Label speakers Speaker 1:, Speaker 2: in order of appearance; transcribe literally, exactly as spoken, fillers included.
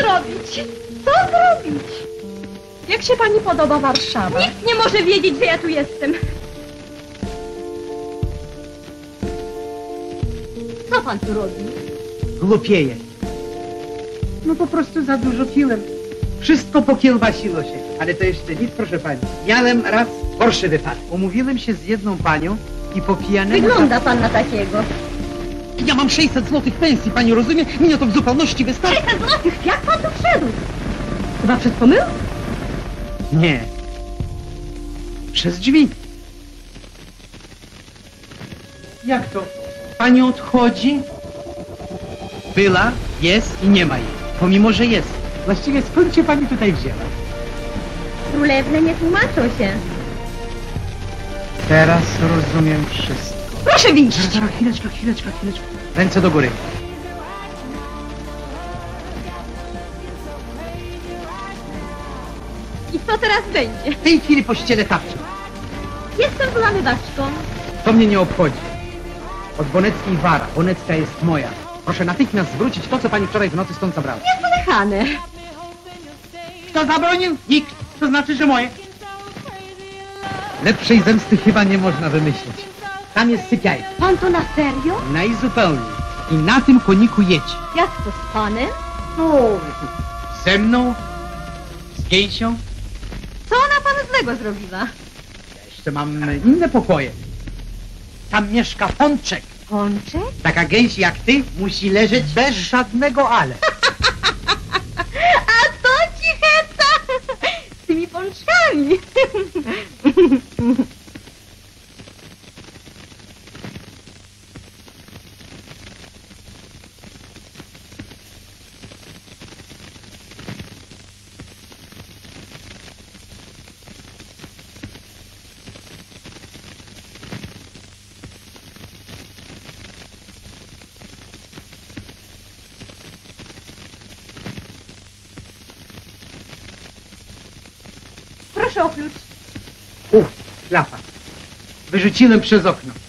Speaker 1: zrobić? Co zrobić? Jak się pani podoba Warszawa? Nikt nie może wiedzieć, że ja tu jestem. Co pan tu robi?
Speaker 2: Głupieje. No po prostu za dużo piłem. Wszystko pokiełbasiło się. Ale to jeszcze nic, proszę pani. Miałem raz gorszy wypadek. Umówiłem się z jedną panią i po pijanemu...
Speaker 1: Wygląda pan na takiego.
Speaker 2: Ja mam sześćset złotych pensji, pani rozumie? Mnie to w zupełności wystarczy.
Speaker 1: sześćset złotych? Jak pan tu wszedł? Chyba przez pomyłkę?
Speaker 2: Nie. Przez drzwi. Jak to? Pani odchodzi? Była, jest i nie ma jej. Pomimo, że jest. Właściwie skąd się pani tutaj wzięła?
Speaker 1: Królewne nie tłumaczą się.
Speaker 2: Teraz rozumiem wszystko.
Speaker 1: Proszę wyjść.
Speaker 2: Zaraz, zaraz, chwileczkę, chwileczkę, chwileczkę. Ręce do góry.
Speaker 1: I co teraz będzie?
Speaker 2: W tej chwili pościelę tarczę.
Speaker 1: Jestem włamywaczką.
Speaker 2: To mnie nie obchodzi. Od Boneckiej wara. Bonecka jest moja. Proszę natychmiast zwrócić to, co pani wczoraj w nocy stąd zabrała.
Speaker 1: Niesłychane.
Speaker 2: Kto zabronił? Nikt. To znaczy, że moje. Lepszej zemsty chyba nie można wymyślić. Tam jest sypialnia.
Speaker 1: Pan to na serio?
Speaker 2: Najzupełniej. I na tym koniku jedź.
Speaker 1: Jak to z panem?
Speaker 2: No, ze mną? Z Gejsią?
Speaker 1: Co ona panu złego zrobiła?
Speaker 2: Jeszcze mam inne pokoje. Tam mieszka Pączek.
Speaker 1: Pączek?
Speaker 2: Taka gęś jak ty musi leżeć bez żadnego ale.
Speaker 1: A to ci heca z tymi pączkami. Proszę o klucz.
Speaker 2: Uf, klapa. Wyrzuciłem przez okno.